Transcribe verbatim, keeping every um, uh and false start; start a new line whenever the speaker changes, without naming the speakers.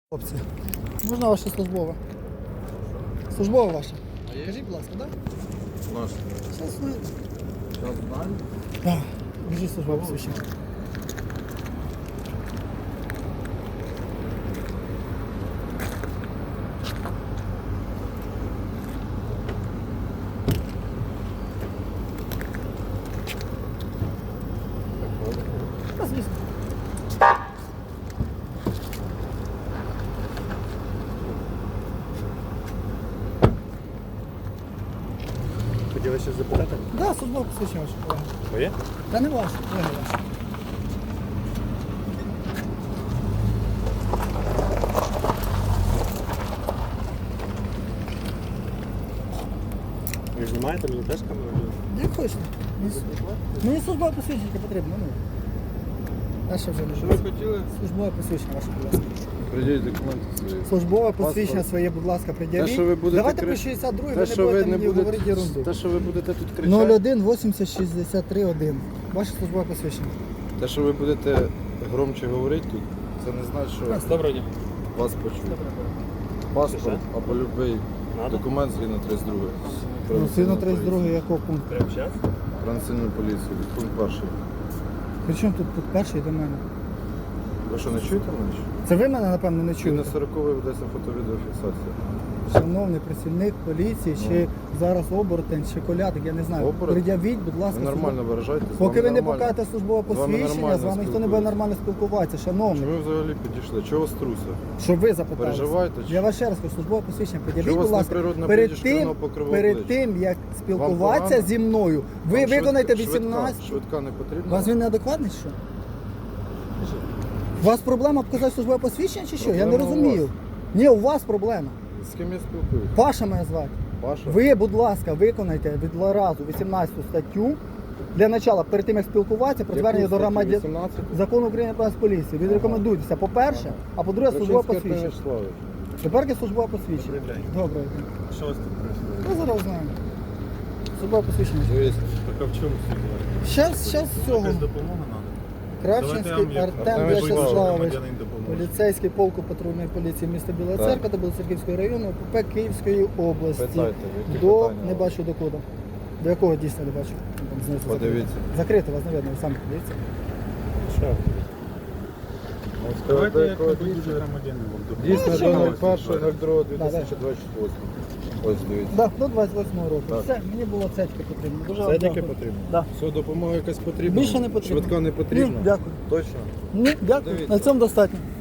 Хлопці, можна ваше службове? Службове ваше? Кажіть, будь ласка, так?
Наш.
Зараз ви...
Зараз знаю.
Так, біжіть службове посвідчення. Та, звісно.
Хотіли щось запитати?
Так, да, службове посвідчення ваше, колеги.
Моє?
Та не ваше, колеги ваше.
Ви знімаєте, мені теж камеру?
Як хочете. Мені, мені службове посвідчення потрібно, ну. Дальше вже не
Що
буде.
ви хотіли?
Службове посвідчення ваше, будь ласка.
Придіть документи свої.
Службове посвідчення
Паспорт.
своє, будь ласка, пред'явіть.
Те, що ви будете
Давайте
кри-
по шістдесят другій,
Те,
ви не
що ви
будете
не
мені говорити
будете,
ерунду.
те, що ви будете тут кричати,
нуль один вісімдесят шістдесят три один. Ваше службове посвідчення.
те, що ви будете громче говорити тут, це не значить, що
Доброго дня.
вас почують. Паспорт або будь-який документ згідно тридцять другої.
Ну, сильно тридцять другий якого пункту?
Прямо зараз?
Про національну поліцію, пункт перший.
Причому тут, тут перший до мене?
Ви що, не чуєте мене? чи?
Це ви мене, напевно, не
Чи
чуєте?
на сороковий ведеться фото-відеофіксація?
Шановний працівник поліції, чи зараз оборотень, чи колядик, я не знаю.
Оборотень?
Пред'явіть, будь
Ви
ласка.
нормально
службове-
виражаєтесь?
Поки
з
ви
вами
не
нормально.
покажете службове
З вами
посвідчення,
нормально
з вами ніхто не буде
спілкуюсь.
нормально спілкуватися. Шановний,
Чому ви взагалі підійшли? Чого струся?
щоб ви запитали.
Переживаєте, чи
Я
що?
вас ще раз кажу, службове посвідчення. Пред'явіть,
Що у
будь
вас
ласка,
неприродна
перед
блідість
тим,
шкірного покриву
перед
обличчя?
тим, як спілкуватися
погано?
зі мною, ви
Вам
виконаєте
швидка-
вісімнадцять.
Швидка, швидка не потрібна?
У вас він неадекватний, що? У вас проблема показати службове посвідчення чи що? Я не
Проблема у
розумію.
вас.
Ні, у вас проблема.
З ким я спілкуюсь?
Паша мене звати.
Паша?
Ви, будь ласка, виконайте від разу вісімнадцяту статтю для начала, перед тим як спілкуватися, про звернення до громадян
вісімнадцять?
закону України про поліцію. Відрекомендуйтеся, по-перше, а по-друге, службове
Крачинський Артем
посвідчення.
Вячеславович.
Тепер є службове посвідчення.
Добрий день.
Добре.
Що у вас тут прийшло?
Ми зараз знаємо. Службове посвідчення.
Дивіться,
Так а в чому ситуація?
Щас, щас з цього.
Якась допомога треба?
Кравченський
Давайте я вам
Артем
Артем
Вячеславович.
громадянин допоможе.
Поліцейський полку патрульної поліції міста Біла
Так.
Церква та Білоцерківського району, ОПП Київської області.
питайте. які
До
питання
не
у вас?
бачу до коду. До якого дійсно не бачу? Там знизу
Подивіться.
закрито. Закрито, вас не видно, ви самі подивіться.
Що?
Ну,
Давайте
сказати,
як
якого
ви
дійсно?
громадянин вам допоможе.
Дійсно
що
до
ви?
нуль першого нуль другого дві тисячі двадцять восьмого. Ось дивіться.
Так, до двадцять восьмого року.
Так.
Все, мені було цецьки потрібно. Дуже вам
Це тільки
дякую.
потрібно?
Да.
Все, допомога якась потрібна?
Більше не потрібно.
Швидка не потрібна?
Ні, дякую.
Точно?
Ні, дякую.
Дивіться.
На цьому достатньо.